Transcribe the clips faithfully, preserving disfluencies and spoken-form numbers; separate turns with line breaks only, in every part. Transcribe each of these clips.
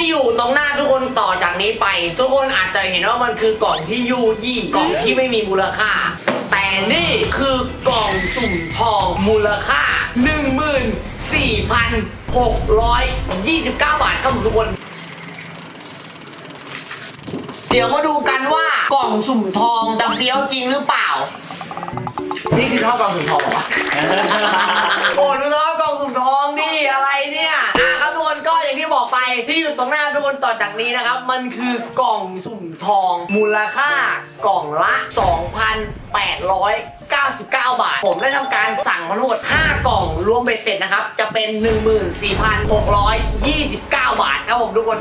อยู่ตรงหน้าทุกคนต่อจากนี้ไปทุกคนอาจจะเห็นว่ามันคือกล่องที่ยูยี่กล่องที่ไม่มีมูลค่าแต่นี่คือกล่องสุ่มทองมูลค่า หนึ่งหมื่นสี่พันหกร้อยยี่สิบเก้า บาทครับทุกคนเดี๋ยวมาดูกันว่ากล่องสุ่มทองจะเฟี้ยวจริงหรือเปล่านี่คือท่อกล่องสุ่มทองเหรอโอ้ดูท่อกล่องสุ่มทองดิอะไรเนี่ยอ่ะครับทุกคนก็อย่างที่บอกไปที่อยู่ตรงหน้าทุกคนต่อจากนี้นะครับมันคือกล่องสุ่มทองมูลค่ากล่องละ สองพันแปดร้อยเก้าสิบเก้า บาทผมได้ทำการสั่งทั้งหมดห้ากล่องรวมเบ็ดเสร็จนะครับจะเป็น หนึ่งหมื่นสี่พันหกร้อยยี่สิบเก้า บาทครับผมทุกคน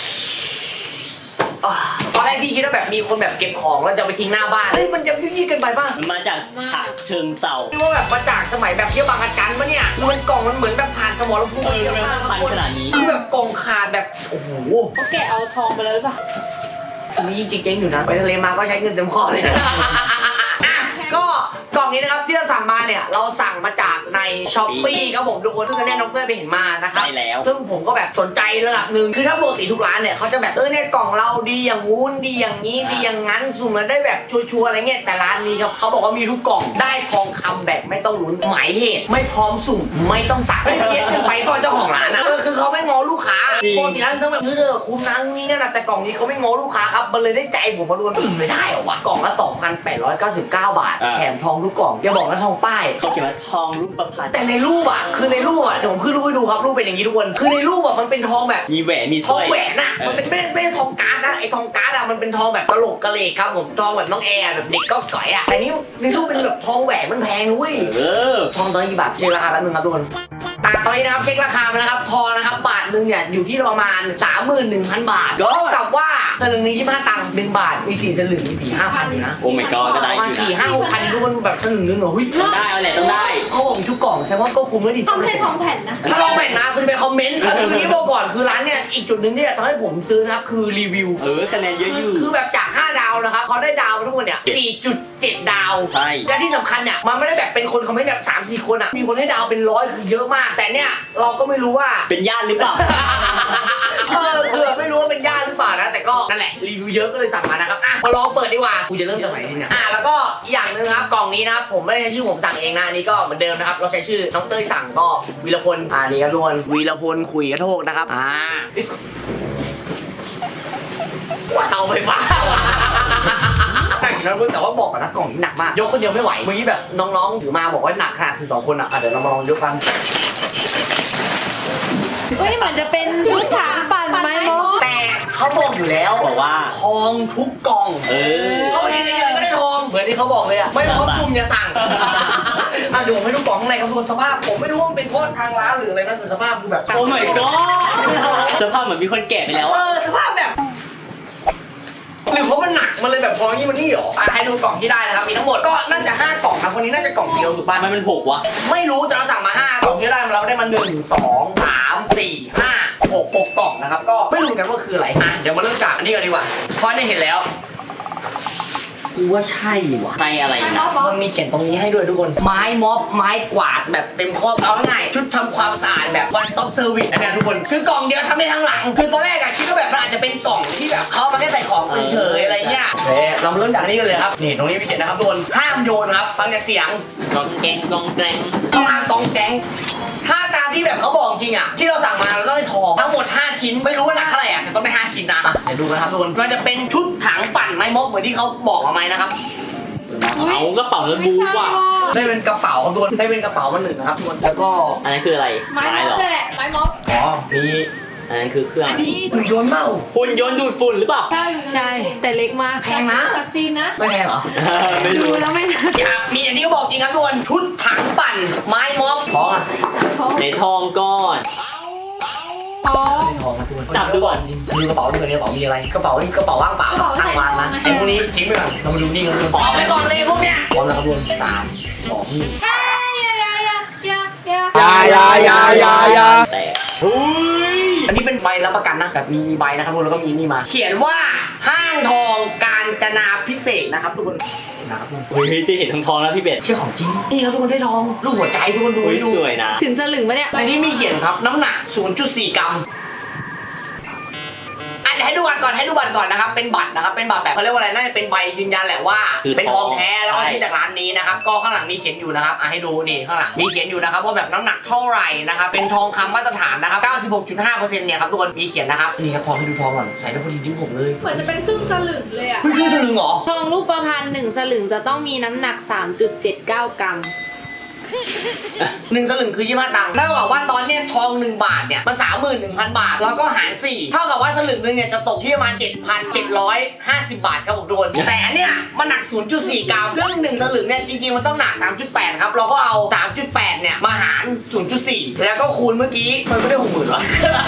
ตอนแรกพี่คิดว่าแบบมีคนแบบเก็บของแล้วจะไปทิ้งหน้าบ้านเฮ้ยมันจะยุ่ยๆกันไปป่ะ
มันมาจากฉะเชิงเทรา
ที่ว่าแบบมาจากสมัยแบบเที่ยวบางระจันปะเนี่ยมันกล่องมันเหมือนแบบผ่านสมรภูมิเยอะมาก
ขนาดนี้
คือแบบกล่องขาดแบบโอ้โห
เขาแกะเอาทองไปเลยหรือเปล่า
ช่วงนี้จริงๆอยู่นะไปทะเลมาก็ใช้เงินเต็มคอเลยก็กล่องนี้นะครับที่เราสั่งมาเนี่ยเราสั่งมาจากในช้อปปี้ครับผมทุกคนซึ่งแน่น้องเต้ยไปเห็นมานะครับ
ใช่แล้ว
ซึ่งผมก็แบบสนใจระดับหนึ่งคือถ้าปกติทุกร้านเนี่ยเขาจะแบบเออเนี่ยกล่องเราดีอย่างงู้นดีอย่างนี้ดีอย่างงั้นสุ่มแล้วได้แบบชัวร์ๆอะไรเงี้ยแต่ร้านนี้ครับเขาบอกว่ามีทุกกล่องได้ทองคำแบบไม่ต้องลุ้นหมายเหตุไม่พร้อมสุ่มไม่ต้องสั่งไม่เพี้ยนกันไปก็เจ้าของร้านอ่ะเออคือเขาไม่ง้อลูกค้าปกติร้านต้องแบบเออคุ้มนั่งนี่นั่นแต่กล่องนี้เขาไม่ง้อลูกค้าครับมันเลยได้ใจผมมาดูมันไม่ได้หรอวะกล่องละ สองพันแปดร้อยเก้าสิบเก้า บาทแถมทองทุกกล่องอย่าบอกนะทองป้าย
เขาเขียนว่าทองรูปประพันธ์
แต่ในรูปอ่ะคือในรูปอ่ะเดี๋ยวผมขึ้นรูปให้ดูครับรูปเป็นอย่างนี้ทุกคนคือในรูปอ่ะมันเป็นทองแบบ
มีแหวนมี
ทองแหวนน่ะมันเป็นไม่ไม่ใช่ทองการ์ดนะไอ้ทองการ์ดอ่ะมันเป็นทองแบบกะโหลกกะเลกครับผมทองแบบน้องแอร์แบบเด็กก็ก่อยอ่ะแต่นี่ในรูปเป็นแบบทองแหวนมันแพงด้วย
เออ
ทองตอนนี้กี่บาทเช็คราคาแป๊บนึงครับทุกคนอ่ะตอนนี้นะครับเช็คราคามานะครับทองนะครับบาทนึงเนี่ยอยู่ที่ประมาณ สามหมื่นหนึ่งพัน บาทเท่ากับว่าสลึงนี้ยี่สิบห้าตังค์หนึ่งบาทมีสี่สลึงมีสี่ห้าพันอยู่นะ
โอ้ my god ก็ได้อยู่นะ
สี่ห้าหกพันทุกคนแบบสลึงนึงเหรอหุ้ย
ได้เอาแหละต้องได้
เขาบอกทุกกล่องแสดงว่าก็คุ้มแล้วดิ
ต้องให้ทองแผ่นนะ
ถ้าทองแผ่นนะคุณไปคอมเมนต์คือนี้บอกก่อนคือร้านเนี่ยอีกจุดหนึ่งที่ทำให้ผมซื้อนะครับคือรีวิว
เออคะแนนเยอะอยู่
คือแบบจากห้าดาวนะครับเขาได้ดาวทุกคนเนี่ย สี่จุดเจ็ด ดาว
ใช่
และที่สำคัญเนี่ยมันไม่ได้แบบเป็นคนคอมเมนต์แบบ สามสี่ คนอ่ะมีคนให้ดาวเป็นร้อยคือเยอะมากแต่เนี่ยเราก็ไม่รู้ว่า
เป็นญาติหรือเปล่า
เออคือไม่รู้ว่าเป็นญาติหรือเปล่านะแต่ก็นั่นแหละรีวิวเยอะก็เลยสั่งมานะครับอ่ะมาลองเปิดดีกว่ากูจะเริ่มจากไหนดีเนี่ยอ่ะแล้วก็อีกอย่างนึงครับกล่องนี้นะครับผมไม่ได้ใช้ชื่อผมสั่งเองนะนี่ก็เหมือนเดิมนะครับเราใช้ชื่อน้องเต้ยสั่งก็วีรพลอ่านี่ครับทุกคนวีรพลคุยกระโทกนะครับอ่าเตาไฟฟ้าแต่แต่ว่าบอกก่อนนะกล่องนี้หนักมากยกคนเดียวไม่ไหวเมื่อกี้แบบน้องๆถือมาบอกว่าหนักขนาดถือสองคนอ่ะเดี๋ยวเรามาลองยกกัน
เฮ้ยเหมือนจะเป็นชุดถางปั่นไม้มอ
แต่เขาบอกอยู่แล้ว
บอกว่า
ทองทุกกล่อง
เออ
เขาเองยังก็ได้ทองเหมือนที่เขาบอกเลยอ่ะไม่พร้อมซุ่มอย่าสั่งอ่ะดูให้ดูกล่องข้างในครับทุกคนสภาพผมไม่รู้ว่าเป็นเพราะทางร้านหรืออะไรนะแต่สภาพคือแบบ
โอ้ my god สภาพเหมือนมีคนแกะไปแล้ว
เออสภาพแบบหรือเพราะมันหนักมันเลยแบบพอยี่มันนี่หรออ่ะให้ดูกล่องที่ได้นะครับมีทั้งหมดก็น่าจะห้ากล่องครับวันนี้น่าจะกล่องเดียวถูกป่ะ
มันมันหกวะ
ไม่รู้แต่เราสั่งมาห้ากล่องที่ได้เราได้มาหนึ่งสองสามสี่ห้าหกหกกล่องนะครับก็ไม่รู้กันว่าคืออะไรอ่ะเดี๋ยวมาเริ่มจากอันนี้กันดีกว่าเพราะนี่เห็นแล้วกูว่าใช่ว่ะ
ใช่อะไรนะ
มันมีเขียนตรงนี้ให้ด้วยทุกคนไม้ม็อบไม้กวาดแบบเต็มครอบเอาง่ายชุดทำความสะอาดแบบ one stop service อันนี้ทุกคนคือกล่องเดียวทำได้ทั้งหลังคือตอนแรกอะคิดว่าแบบมันอาจจะเป็นกล่องที่แบบเขามาแค่ใส่ของเฉยๆอะไรเงี้ยเฮ้ยเรามาเริ่มจากนี้กันเลยครับนี่ตรงนี้มีเขียนนะครับทุกคนห้ามโยนครับฟังจากเสียง
กองแกงกองแกง
ต้องห้ามกองแกงถ้าตามที่แบบเขาบอกจริงอะที่เราสั่งมาเราต้องได้ทองทั้งหมดห้าชิ้นไม่รู้ว่าหนักเท่าไหร่อะแต่ต้องได้ห้าชิ้นนะเดี๋ยวดูกันครับทุกคนมันจะเป็นชุดถังปั่นไม้ม็อบเหมือนที่เขาบอกเอาไหมนะครับ
เอากระเป๋าแล้วบูว่ะ
ได้เป็นกระเป๋าทุกคนได้เป็นกระเป๋ามาหนึ่งนะครับทุกคนแล้วก็
อันนั้นคืออะไร
ไม้ม็อบแหละไม้ม็อบ
อ๋อมี
อันนั้นคือเครื่อง
หุ่นยนต์เปล่า
หุ่นยนต์ดูดฝุ่นหรือเปล่า
ใช่แต่เล็กมาก
แพงนะ
จากจีนนะ
ไม่แพงเหรอ
ไม่รู้
แล้วไม่
มีอันนี้ก็บอกจริงครับทุกคนชุดถังปั่นไม้ม็อบทองอ่ะ
ในทองก้อน
ทอง
ทองทุกคน
จับดูก่อน
จริงดูกระเป๋าดูกันกระเป๋ามีอะไรกระเป๋านี่กระเป๋าว่างเปล่าตั้งวางนะไอ้พวกนี้ทิ้งไปก่อนเรามาดูนี่กันทุกคนออกไปก่อนเลยพวกเนี้ยพร้อมแล้วครับทุกคนสามสองหนึ่ง
ยายายายายา
แต่อันนี้เป็นใบรับประกันนะแบบมีมีใบนะครับทุกคนแล้วก็มีนี่มาเขียนว่าห้างทองกาญจนาพิเศษนะครับทุกคนนะครับทุกคน
เฮ้ยที่เห็นทองทองแล้วพี่เบส
เชื่อของจริงนี่ครับทุกคนได้ทองลูกหัวใจทุกคนดูให้ดู
สวยนะ
ถึงสลึงปะเนี่ย
ในนี้มีเขียนครับน้ำหนัก ศูนย์จุดสี่ กรัมให้ดูบัตรก่อนให้ดูบัตรก่อนนะครับเป็นบัตรนะครับเป็นบัตรแบบเขาเรียกว่าอะไรน่าจะเป็นใบยืนยันแหละว่าเป็นทองแท้แล้วก็ที่จากร้านนี้นะครับก็ข้างหลังมีเขียนอยู่นะครับอ่ะให้ดูนี่ข้างหลังมีเขียนอยู่นะครับว่าแบบน้ำหนักเท่าไหร่นะครับเป็นทองคำมาตรฐานนะครับ เก้าสิบหกจุดห้าเปอร์เซ็นต์ เนี่ยครับทุกคนมีเขียนนะครับนี่ครับทองให้ดูทองก่อนใส่ได้พอดีนิ้วผมเลย
เหมือนจะเป็นครึ่งสลึงเลยอ่ะ
เฮ้ยครึ่งสลึงเหรอ
ทองรูปประพันธ์หนึ่งสลึงจะต้องมีน้ำหนัก สามจุดเจ็ดเก้า กรัม
หนึ่งสลึงคือยี่สิบห้าตังค์เท่ากับว่าตอนเนี้ยทองหนึ่งบาทเนี่ยมันสามหมื่นหนึ่งพันบาทแล้วก็หารสี่เท่ากับว่าสลึงนึงเนี่ยจะตกที่ประมาณเจ็ดพันเจ็ดร้อยห้าสิบบาทครับผมทุกคนแต่อันเนี้ยมันหนัก ศูนย์จุดสี่ กรัมซึ่งหนึ่งสลึงเนี่ยจริงๆมันต้องหนัก สามจุดแปด ครับเราก็เอา สามจุดแปด เนี่ยมาหาร ศูนย์จุดสี่ แล้วก็คูณเมื่อกี้มันก็ได้หกหมื่นหรอ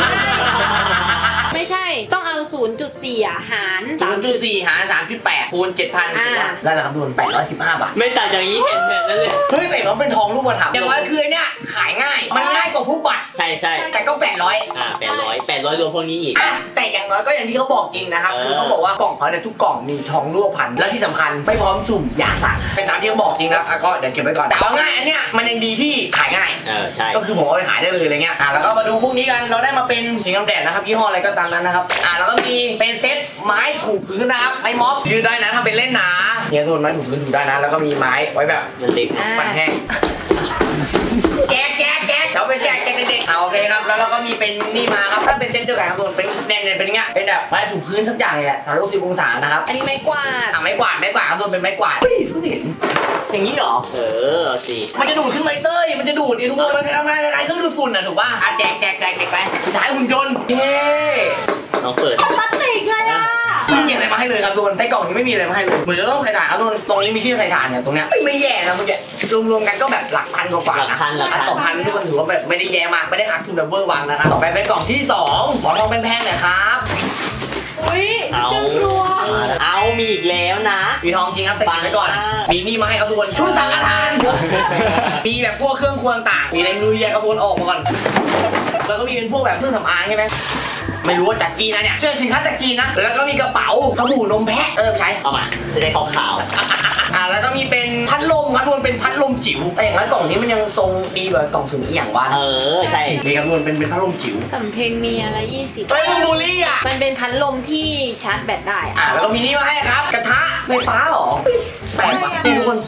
ไม่ใช่ต้องเอา ศูนย์จุดสี่ อ่ะหาร
ศูนย์จุดสี่ หาร สามจุดแปด คูณ เจ็ดพัน
อ่า
ได้แล้วครับทุกคนแปดร้อยสิบห้าบาท
ไม่ต่างจากนี้เห็นแบบนั้นเลย
เฮ้ยแต่มันเป็นทองรูปธรรมอย่างน้อยคือเนี่ยขายง่าย มันง่ายกว่าผู้บัตร
ใช่ใช่
แต่ก็แปดร้อย
อ่าแปดร้อยแปดร้อยรวมพวกนี้อีก
อ่ะแต่อย่างน้อยก็อย่างที่เขาบอกจริงนะครับ
เออ
คือเขาบอกว่ากล่องเขาเนี่ยทุกกล่องมีทองรูปพันและที่สำคัญไม่พร้อมสุ่มอย่าสั่งเป็นตามที่เขาบอกจริงนะอ่ะก็เดี๋ยวเก็บไว้ก่อนแต่เอาง่ายอันเนี้ยมันยังดีที่ขายง่าย
เออใช่
ก็คือผมเอาไปขายได้เลยอะไรเงี้ยอ่ะแล้วก็มาดูพวกนี้กันเราได้มาเป็นชิงน้ำแดดนะครับยี่ห้ออะไรก็ตามนั้นนะครับอ่ะแล้วก็มีเป็นเซตไม้ถูพื้นนะครับไม้ม็อบยืนได้นะทำเป็นเล่นหนาเนี่ยทุกคนไม้ถูพื้นถูได้นะแล้วก็มีไม้ไว้แบบ
มันเด็ก
อ่า
ปั่นแห้งแจ๊กแจ๊กแจ๊กเขาไปแจ๊กแจ๊กเด็กๆเอาโอเคครับแล้วเราก็มีเป็นนี่มาครับถ้าเป็นเซตเดียวกันครับทุกคนเป็นแน่นๆเป็นอย่างเงี้ยเป็นแบบไม้ถูพื้นสักอย่างเลยแหละสามร้อยหกสิบองศานะครับ
อันนี้ไม้กวาด
อ่ะไม้กวาดไม้กวาดครับทุกคนเป็นไม้กวาดเฮ้ยเพิ่งเห็นอย่างนี้เหรอ
เออสิ
มันจะดูดขึ้นไหมเต้ยมันจะดูดดิทุกคนมันจะทำงานยังไงเครื่องดูดฝุ่นอ่ะถูกป่ะอ่ะแจกแจกแจกแจกไปสุดท้ายหุ่นยนต์เย้
น้องเปิด
พลาสติกเลยอ่ะ
ไม่มีอะไรมาให้เลยครับทุกคนในกล่องนี้ไม่มีอะไรมาให้เลยเหมือนจะต้องใส่ถ่านครับทุกคนตรงนี้มีที่ใส่ถ่านเนี่ยตรงเนี้ยเอ้ยไม่แย่นะเมื่อกี้รวมๆกันก็แบบหลักพันกว่าๆ
หลัก
นะ
พันหลักพัน
สองพันทุกคนถือว่าแบบไม่ได้แย่มากไม่ได้หักทุนดับเบิลวังนะครับต่อไปเป็นกล่องที่สองขอทองแพงๆหน่อยครับ
อุ้ย
เอา
จังรัว
เอามีอีกแล้วนะ
มีทองจริงครับแต่เก็บไว้ก่อน
ปังมาก
มีนี่มาให้ครับทุกคนชุดสังฆทาน มีแบบพวกเครื่องครัวต่างๆมีในมือแยกกระบวนออกมาก่อนแล้วก็มีเป็นพวกแบบเครื่องสำอางใช่ไหมไม่รู้ว่าจากจีนนะเนี่ยเชื่อสินค้าจากจีนนะแล้วก็มีกระเป๋าสบู่นมแพะเออใช้
เอามาจะได้ขาว
อ่าแล้วก็มีเป็นพัดลมครับทุกคนเป็นพัดลมจิ๋วแต่อย่างน้อยกล่องนี้มันยังทรงดีกว่ากล่องสุ่มอีกอย่างวะ
ๆเออใช่
นี่ครับทุกคนเป็นเป็นพัดลมจิ๋ว
สำเพ็งมีอะไรยี่สิบ
เฮ้ยมึงบูลลี่อ่ะ
มันเป็นพัดลมที่ชาร์จแบตได้อะ
อ่าแล้วก็มีนี่มาให้ครับ กระทะไฟฟ้าเหรอแปลกปะนี่ทุกคน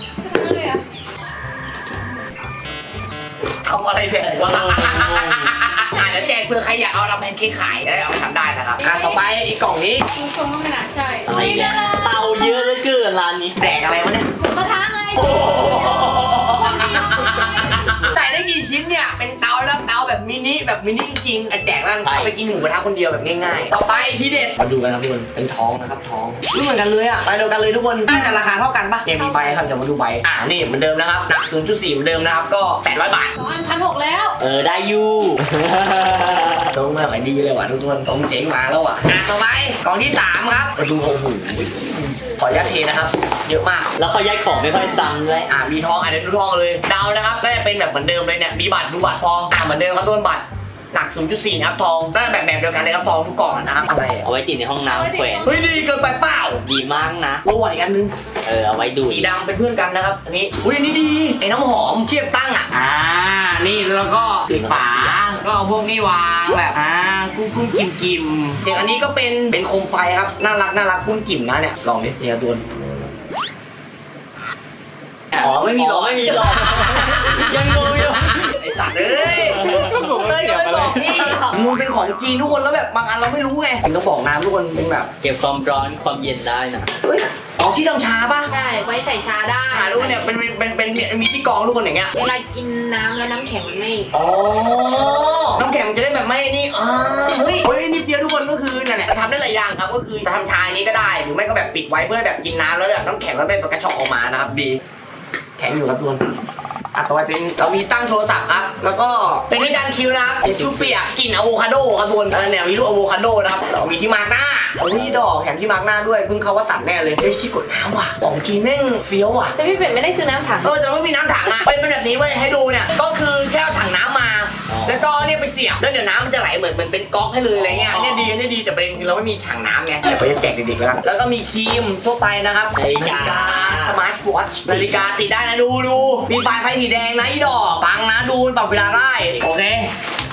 ทำอะไรแดกวะอ่าเดี๋ยวแจกเผื่อใครอยากเอาทำแพนเค้กขายได้เอาไปทำได้นะครับอ่าต่อไปอีกกล่องนี้
ดูทรงก็ไม่น่าใช่
อะไรเนี่ยเตาเยอะเหลือเกินร้านนี้
แดกอะไรวะเนี่ย
กระทะไง
โอ้โหใส่ได้กี่ชิ้นเนี่ย เป็นเตาแล้วเตาแบบมินิแบบมินิจริงๆอ่ะแจกแล้วเอาไปกินหมูกระทะคนเดียวแบบง่ายๆ ต่อไปที่เด็ด มาดูกันครับทุกคน เป็นท้องนะครับท้องไม่เหมือนกันเลยอ่ะ ไปเดียวกันเลยทุกคน น่าจะราคาเท่ากันปะเนี่ยมีใบครับเดี๋ยวมาดูใบ อ่านี่เหมือนเดิมนะครับ หนัก ศูนย์จุดสี่ เหมือนเดิมนะครับ ก็แปดร้อยบาท
สองอันพันหกแล้ว
เออได้อยู่
ต้องมาขายดีเลยว่ะทุกคนต้องเจ๋งมาแล้วอ่ะอ่ะต่อไปกล่องที่สามครับมาดูโอ้โหขออนุญาตเทนะครับ เยอะมาก
แล้วเขาย้ายของไม่ค่อยซ้ำด้วย
อ่ามีทองอ่ะเดี๋ยวดูทองเลยเดานะครับน่าจะเป็นแบบเหมือนเดิมเลยเนี่ยมีบัตรดูบัตรพออ่าเหมือนเดิมครับต้นบัตรหนัก ศูนย์จุดสี่ นะครับทองน่าจะแบบแบบเดียวกันเลยครับทองทุกกล่องนะครับอะไรอ่ะ
เอาไว้ติดในห้องน้ำแขวน
เฮ้ยดีเกินไปเปล่า
ดีมากนะ
โอ้ยอีกอันนึง
เออเอาไว้ดูด
สีดำเป็นเพื่อนกันนะครับอันนี้อุ้ยอันนี้ดีไอ้น้ำหอมเทียบตั้งอ่ะอ่านี่แล้วก็ปิดฝาก็เอาพวกนี้วางแบบอ่ากุ้งกุ้งกิมกิมอย่างอันนี้ก็เป็นเป็นโคมไฟครับน่ารักน่ารักกุ้งกิ่มนะเนี่ยลองดิเดี๋ยวดวน อ๋อไม่มีหรอ
ไม่มีหรอกยังงงอยู่
ไอสัตว์เอ้ยเต้ยก็ไม่บอกพี่มันเป็นของจีนทุกคนแล้วแบบบางอันเราไม่รู้ไงถึงต้องบอกน้ำทุกคนเป็นแบบ
เก็บความร้อนความเย็นได้นะ
เฮ้ยอ๋อที่ทำชาป่ะ
ใช่ไว้ใส่ชาได้
อ่าทุกคนเนี่ยเป็นเป็นเป็นเป็นมีที่กรองทุกคนอย่างเงี้ย
เวลากินน้ำแล้วน้ำแข็งมันไม่
อ๋อน้ำแข็งมันจะได้แบบไม่นี่อ่าเฮ้ยเฮ้ยนี่เฟี้ยวทุกคนก็คือนั่นแหละทำได้หลายอย่างครับก็คือจะทำชาอย่างนี้ก็ได้หรือไม่ก็แบบปิดไว้เพื่อแบบกินน้ำแล้วแบบน้ำแข็งแล้วไม่กระชอกออกมานะครับดีแข็งอยู่ครับทุกคนอ่ะต่อไปเป็นเรามีตั้งโทรศัพท์ครับแล้วก็เป็นที่การคิวนะครับเดี๋ยวชูเปียกกลิ่นอะโวคาโดครับทุกคนเออเนี่ยมีลูกอะโวคาโดนะครับเรามีที่มาร์กหน้าโอ้ยดอกแถมที่มาร์กหน้าด้วยเพิ่งเขาว่าสั่นแน่เลยเฮ้ยที่กดน้ำว่ะของจีนแม่งเฟี้ยวว่ะ
แต่พี่เป็ดไม่ได้ซื้อน้ำถัง
เออแต่ไม่มีน้ำถังอ่ะเป็นแบบนี้เว้ยให้ดูเนี่ยก็คือแค่เอาถังน้ำมา แล้วก็เนี่ยไปเสียบแล้วเดี๋ยวน้ำมันจะไหลเหมือนเหมือนเป็นก๊อกให้เลยอะไรเงี้ยอันนี้ดีอันนี้ดีแต่ประเด็นคือเราไม่มีถังน้ำไงเดี๋ยวไปแจกเด็กๆแล้วกันแล้วก็มีครีมทั่วไปนะครับ
นาฬิกา
สมาร์ทวอทช์นาฬิกาติดได้นะดูดูมีไฟไฟสีแดงนะอีดอกฟังนะดูปรับเวลาได้โอเค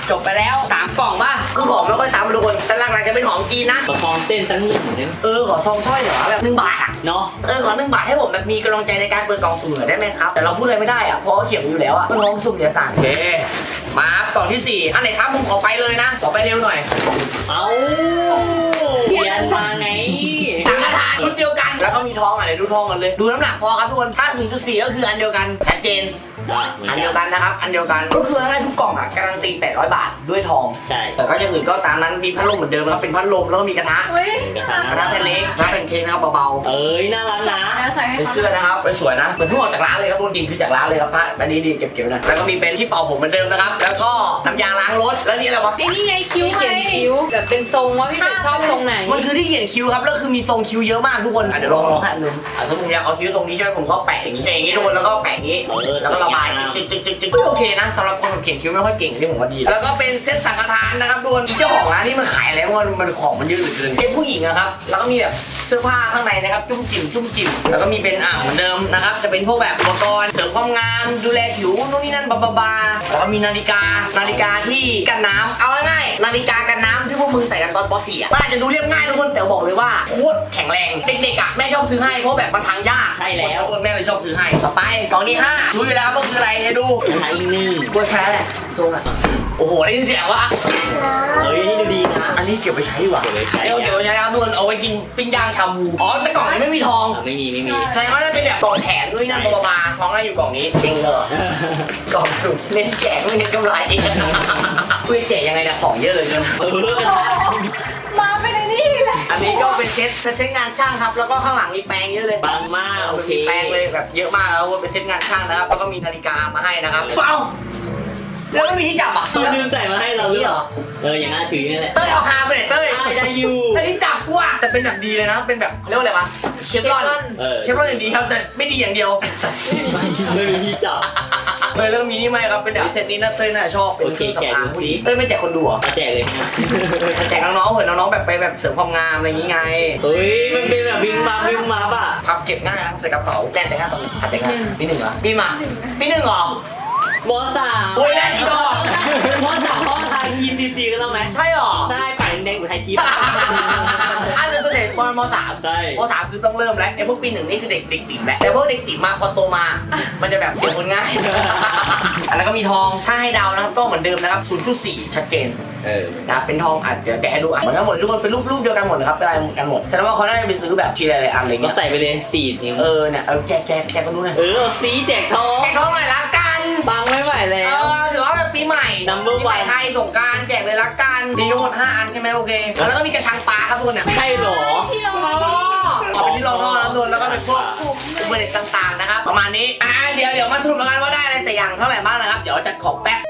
จบไปแล้วสามกล่องป่ะคือของไม่ค่อยซ้ำทุกคนแต่หลักๆจะเป็นของจีนนะ
ประคองเต้นตั้งหนึ่งเนี่ย
เออขอซองสร้อยเหรอแบบหนึ่งบาทอ่ะ
เนาะ
เออขอหนึ่งบาทให้ผมแบบมีกำลังใจในการเปิดกล่องสุ่มหน่อยได้ไหมครับแต่เราพูดอะไรไม่ได้อ่ะเพราะเขาเขียนอยู่แล้วอ่ะเป็นกล่องสุ่มเดี๋ยวสั่งโอเคมาครับกล่องที่สี่อันไหนซ้ำผมขอไปเลยนะขอไปเร็วหน่อย
เอาเรียนมาไง
สังฆทานชุดเดียวกันแล้วก็มีทองอ่ะเดี๋ยวดูทองกันเลยดูน้ำหนักพอครับทุกคนถ้า ศูนย์จุดสี่ ก็คืออันเดียวกันชัดเจนอันเดียวกันนะครับอันเดียวกันก็คือให้ทุกกล่องอ่ะการันตีแปดร้อยบาทด้วยทอง
ใช่
แต่ก็อย่างอื่นก็ตามนั้นมีพัดลมเหมือนเดิมแล้วเป็นพัดลมแล้วก็มีกระทะ
เฮ้ย
กระทะ
กระทะแผ่นเล็กกระทะแผ่นเค้กนะครับเบา
เอ้ยน่ารักนะ
แล้วใส่
ๆ
ให้
เป็น
เขา
เสื้อนะครับเป็นสวยนะเหมือนเพิ่งออกจากร้านเลยครับทุกคนจริงคือจากร้านเลยครับผ้าอันนี้ดีเก็บๆนะแล้วก็มีเป็นที่เป่าผมเหมือนเดิมนะครับแล้วก็น้ำยาล้างรถแล้วนี่อะไรวะ
ไอ้นี่ไงคิ้วเขียนคิ้วแบบเป็นทรงว่าพี่เป็ดชอบทรงไหน
มันคือที่เขียนคิ้วครับแล้วคือมีทรงคิ้วเยอะมากทุกคนอ่ะเดี๋ยวลองลองให้อันหนึงอ่ะถ้าผมอยากเอาคิ้วทรงนี้ใช่ไหมผมก็แปะอย่างนี้ใช่อย่างนี้ทุกคนแล้วก็แปะอย่างนี้แล้วก็ระบายจิ๊กจิ๊กจิ๊กจิ๊กโอเคนะสำหรับคนเขียนคิ้วไม่ค่อยเก่งที่ผมว่าดีแล้วก็เป็นเซ็ตสังฆทานนะครับทุกคนเจ้าของร้านนี่มันขายแล้วมันมันของมันเยอะเหลือเกินเป็นผู้หญิงนะครับแล้วก็มีแบบเสื้อผ้าข้างในนะครับจุ้มจิ๋มจุ้มจิ๋มแล้วก็มีเป็นอ่างเหมือนเดิมนะครับจะเป็นพวกแบบอุปกรณ์เสริมความงามดูแลผิวนู่นนี่นั่นบาบาบาแล้วก็มีนาฬิกานาฬิกาที่กันน้ำเอาง่ายๆนาฬิกากันน้ำที่พวกมึงใส่กันตอนป .สี่ อ่ะมันอาจจะดูเรียบง่ายทุกคนแต่บอกเลยว่าโคตรแข็งแรงเด็กๆอ่ะแม่ชอบซื้อให้เพราะแบบมันพังยาก
ใช่แล้ว
แม่เลยชอบซื้อให้ต่อไปกล่องที่ห้ารู้อยู่แล้วว่าคืออะไรให้ดู
กระทะอีกหนึ่ง
กล้วยแช่แหละทรงอ่ะโอ้โหได้ยินเสียงวะ
เฮ้ยนี่ดูดีนะ
อันนี้เก็บไปใช้ดีกว่า
เก็บไว้ใช้
เอาเก็บไปใช้นะครับทุกคนเอาไว้กินปิ้งย่างชาบูอ๋อแต่กล่องนี้ไม่มีทอง
อ่ะไม่มีไม่มี
แสดงว่าน่าจะเป็นแบบกล่องแถมด้วยนั่นบาบาทองน่าอยู่กล่องนี้จริงเหรอกล่องสุ่มเน้นแจกไม่เน้นกำไรคุยแจกยังไงเนี่ยของเยอะเลยเกิน
เออ
มาไปในนี่แหละ
อันนี้ก็เป็นเซ็ตเป็นเซ็ตงานช่างครับแล้วก็ข้างหลังมีแปรงเยอะเลย
ปังมากโอเค
มีแปรงเลยแบบเยอะมากแล้วเป็นเซ็ตงานช่างนะครับแล้วก็มีนาฬิกามาให้นะครับเปล่าแล้วไม่มีที่จับอ่ะ
เขาลืมใส่มาให้เราหรือเปล่าเอออย่างน่าถือนี่แหละ
เต้ยเอาคาไปไหนเต้ย
ได้ได้อยู่
แต่ที่จับกูอ่ะแต่เป็นแบบดีเลยนะเป็นแบบเรียกว่าอะไรวะเชฟรอน
เออ
เชฟรอนอย่างดีครับแต่ไม่ดีอย่างเดียว
ไม่มีที่จับ
เต้ยแล้วก็มีนี่ไหมครับเป็นแบบเซตนี้นะเต้ยน่าจะชอบเป็น
โอเค
ครื่องสำอาง
แกะดูสิ
เต้ยไม่แจกคนดูเหรอ
มาแจกเลยนะ
แจกน้องๆเผื่อน้องๆแบบไปแบบเสริมความงามอะไรอย่างงี้ไง
เฮ้ยมันเป็นแบบวิงมาวิงมาป่ะ
พับเก็บง่ายนะใส่กระเป๋าแจกแต่งงานตอนไหนอ่ะแต่งงานปีหนึ่งเหรอปีมาปีหนึ่งเหรอ
มสาม
โอ้ยแรกอีดอก
มสามพ่อทายทีมดีซีกันแล้วไหม
ใช่เหรอ
ใช่ป่ายแดงๆอยู่ไทยทีม
อันนั้นเด็กปมสาม
ใช่
มสามคือต้องเริ่มแล้วไอ้พวกปีหนึ่งนี่คือเด็กเด็กติ๋มแหละแต่พวกเด็กติ๋มมาพอโตมา มันจะแบบเสียคนง่าย อันนั้นก็มีทองถ้าให้เดานะครับก็เหมือนเดิมนะครับ ศูนย์จุดสี่ ชัดเจน
เออ
นะครับเป็นทองอ่ะเดี๋ยวแกะให้ดูอ่ะเหมือนกันหมดทุกคนเป็นรูปรูปเดียวกันหมดเลยครับเป็นอะไรเหมือนกันหมดแสดงว่าเขาน่าจะไปซื้อแบบทีละอันอะไร
ก็
เงี้ย
ใส่ไปเลยสี่นิ้ว
เออเนี่ยเอาแจกแจกแจกกันดูหน่อย
เออสีแจกทอง
แจกทองหน่อยละกัน
ปังไม่ไหว
เอ
แล้ว
อถือว่าแบบปีใหม่
Number
ปีใหม่
one
ไทยสงกรารแจกเลยละกันมีทั้งหมดห้าอันใช่ไหมโอเคแล้วก็มีกระชังปลาครับทุกคนเนี่ย
ใช่เหรอ
ที่เรา
เอาเป็นที่รองท่อแล้วทุกคนแล้วก็เป็นพวกอุปกรณ์ต่างๆนะครับประมาณนี้อ่าเดี๋ยวเดี๋ยวมาสรุปกันว่าได้อะไรแต่อย่างเท่าไหร่บ้างนะครับเดี๋ยวจัดของแป๊บ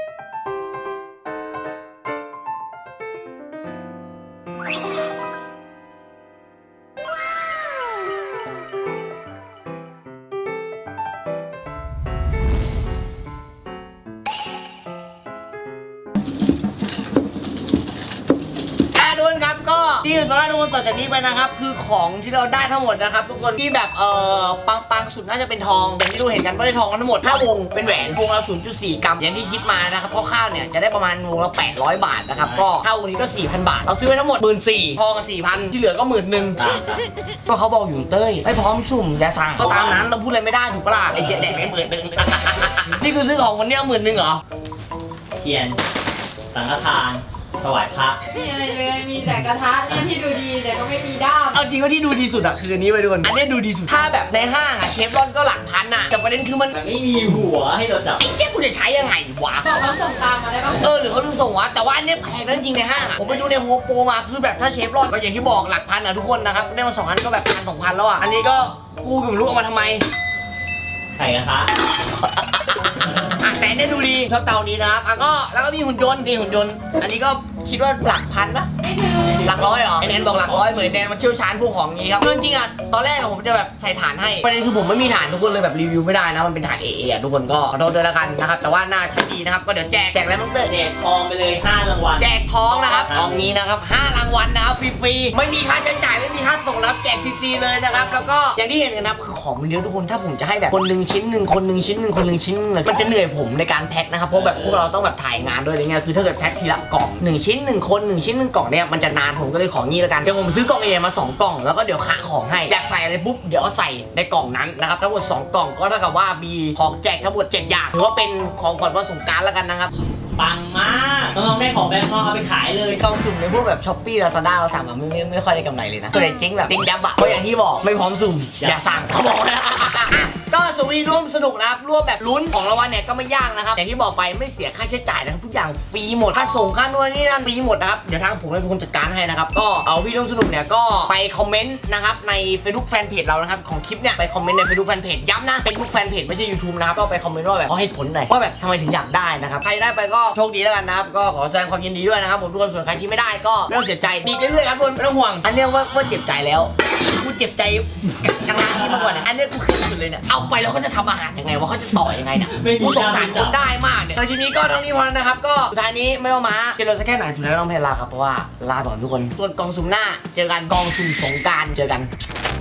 ทุกคนครับก็ที่อื่นตอนแรกทุกคนต่อจากนี้ไปนะครับคือของที่เราได้ทั้งหมดนะครับทุกคนที่แบบเอ่อปังปังสุดน่าจะเป็นทองอย่างที่ดูเห็นกันว่าได้ทองกันทั้งหมดห้าวงเป็นแหวนวงละ ศูนย์จุดสี่ กรัมอย่างที่คิดมานะครับเพราะข้าวเนี่ยจะได้ประมาณวงละแปดร้อยบาทนะครับก็ข้าววงนี้ก็ สี่พัน บาทเราซื้อไว้ทั้งหมด หนึ่งหมื่นสี่พัน ทองก็ สี่พัน ที่เหลือก็หมื่นหนึ่งก็เขาบอกอยู่เต้ยไม่พร้อมสุ่มอย่าสั่งก็ตามนั้นเราพูดอะไรไม่ได้ถูกปะล่ะไอ้เหี้ยแดกไอ้หมื่นหนึ่ง นี่คือซื้อของวันเนี้ยหมื่นหนึ่งเหรอ
เทียนสังฆทานถวายพระ
ไม่มีอะไรเลยมีแต่กระทะเนี่ยที่ดูดีแต่ก็ไม่มีด้าม
เอาจริงว่าที่ดูดีสุดอะคืออันนี้ไปดูอันนี้ดูดีสุดถ้าแบบในห้างอะเชฟรอนก็หลักพันอะแต่ประเด็นคือมัน
แต่ไม่มีหัวให้เราจับ
ไอ้เชี่ยกูจะใช้ยังไงวะ
บอกเขาส่งตามมาได้ปะ
เออหรือเขาลืมส่งวะแต่ว่าอันเนี้ยแพงนะจริงในห้างอะผมไปดูในโฮมโปรมาคือแบบถ้าเชฟรอนก็อย่างที่บอกหลักพันอะทุกคนนะครับได้มาสองพันก็แบบพันสองพันแล้วอะอันนี้ก็กูก็ไม่รู้เอามาทำไม
ไข่กระทะ
อ่ะแต่อันเนี่ยดูดีชอบเตานี้นะครับอ่ะก็แล้วก็มีหุ่นยนต์มีหุ่นยนต์อันนี้ก็คิดว่าหลักพันปะ
ไม่ถึง
หลักร้อยเหรอไอแนนบอกหลักร้อยเหมือนแนนมันเชี่ยวชาญพวกของนี้ครับคือจริงๆอ่ะตอนแรกอะผมจะแบบใส่ฐานให้ประเด็นคือผมไม่มีฐานทุกคนเลยแบบรีวิวไม่ได้นะมันเป็นฐานเอเอะทุกคนก็ขอโทษด้วยแล้วกันนะครับแต่ว่าน่าใช้ดีนะครับก็เดี๋ยวแจกแจกอะไรบ้างเตอร์
แจกทองไปเลยห้ารางวัล
แจกทองนะครับทองนี้นะครับห้ารางวัลนะครับฟรีๆไม่มีค่าใช้จ่ายไม่มีค่าส่งนะครับแจกฟรีๆเลยนะครับแล้วก็อย่างที่เห็นกันนะครับคือของมันเยอะทุกคนถ้าผมจะให้แบบคนหนึ่งชิ้นหนึ่งคนหนึ่งชิ้นหนึ่งคนหนึ่งชิ้นหนึ่งเลยมันจะเหนื่อยผมในการแพ็คนะครับเพราะแบบพวกเราต้องแบบถ่ายงานด้วยอะไรเงี้ยคือถ้าเกิดแพ็คทีละกล่องหนึ่งชิ้นหนึ่งคนหนึ่งชิ้นหนึ่งกล่องเนี่ยมันจะนานผมก็เลยของี้แล้วกันเดี๋ยวผมซื้อกล่องเอมาสองกล่องแล้วก็เดี๋ยวคะของให้อยากใส่อะไรปุ๊บเดี๋ยวเอาใส่ในกล่องนั้นนะครับทั้งหมดสองกล่องก็เท่ากับว่ามีของแจกทั้งหมดเจ็ดอย่างถือว่าเป็นของขวัญวันสงกรานต์แล้วกันนะครับ
ปังมากน้องๆได้ของแบงค์เอาไปขายเลย
กล่องสุ่มในพวกแบบช้อปปี้ลาซาด้าเราสั่งแบบไม่ไม่ไม่ค่อยได้กำไรเลยนะส่วนใหญ่จริงแบบจริงยับอะเพราะอย่างที่บอกไม่พร้อมสุ่มอย่าสั่งเขาบอกนะก็สวีร่วมสนุกนะครับร่วมแบบลุ้นของรางวัลเนี่ยก็ไม่ยากนะครับอย่างที่บอกไปไม่เสียค่าใช้จ่ายนะครับทุกอย่างฟรีหมดค่าส่งค่านวดนี่นั่นฟรีหมดนะครับเดี๋ยวทางผมเป็นคนจัดการให้นะครับก็เอาวิร่วมสนุกเนี่ยก็ไปคอมเมนต์นะครับใน Facebook Fanpage เรานะครับของคลิปเนี่ยไปคอมเมนต์ใน Facebook Fanpage ย้ำนะ Facebook Fanpage ไม่ใช่ YouTube นะครับก็ไปคอมเมนต์ว่าแบบขอให้ผลหน่อยว่าแบบทำไมถึงอยากได้นะครับใครได้ไปก็โชคดีแล้วกันนะครับก็ขอแสดงความยินดีด้วยนะครับผมทุกคนส่วนใครที่ไม่ได้ก็ไม่ต้องเสียใจดีเรื่อยๆครับทุกคนไม่ต้องห่วงอันเนี้ยว่าว่าเจ็บใจแล้วกูเจ็บใจกลางๆนี่มาก่อนเนี่ยอันเนี้ยกูเคยสุดเลยเนี่ยเอาไปแล้วเขาจะทำอาหารยังไงว่าเขาจะต่อยังไงเนี่ยกูสงสารคนได้มากเนี่ยแต่ทีนี้ก็ทั้งนี้พอแล้วนะครับก็สุดท้ายนี้ไม่ว่ามาจะโดนสักแค่ไหนสุดท้ายต้องเพลาครับเพราะว่าลาก่อนทุกคนส่วนกองสุ่มหน้าเจอกันกองสุ่มสงกรานต์เจอกัน